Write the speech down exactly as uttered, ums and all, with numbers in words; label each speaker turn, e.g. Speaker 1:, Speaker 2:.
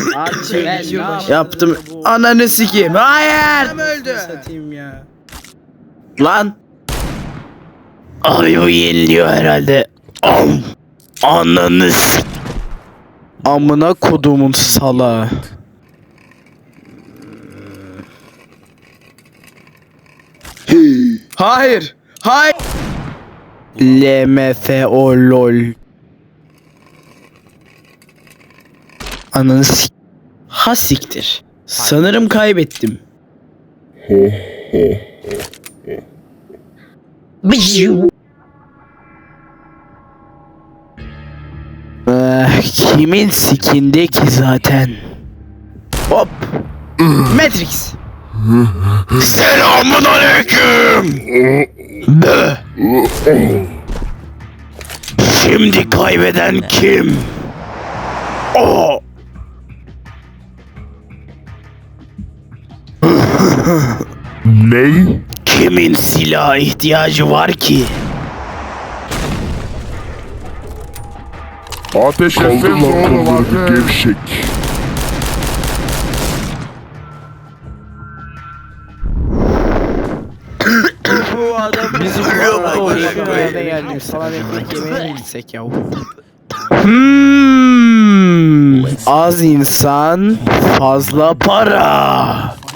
Speaker 1: Yaptım. Ananı sikeyim. Hayır.
Speaker 2: Öldü.
Speaker 1: Satayım ya. Lan. Ay o yeniliyor herhalde. Am. Ananı s- Amına kodumun salağı. Hayır. Hayır. L M F O lol. Ananı s- Ha siktir. Sanırım kaybettim. Eh, kimin sikinde ki zaten? Hop. Matrix. Selamun aleyküm. Bö. Şimdi kaybeden kim? O.
Speaker 3: Ney?
Speaker 1: Kimin silaha ihtiyacı var ki?
Speaker 3: Ateş etseniz oğlum ateş. Gevşek.
Speaker 2: Bu adam
Speaker 1: Bizi
Speaker 2: nerede geldik falan ekmek yemeye mi gitsek ya?
Speaker 1: Hmm, az insan, fazla para.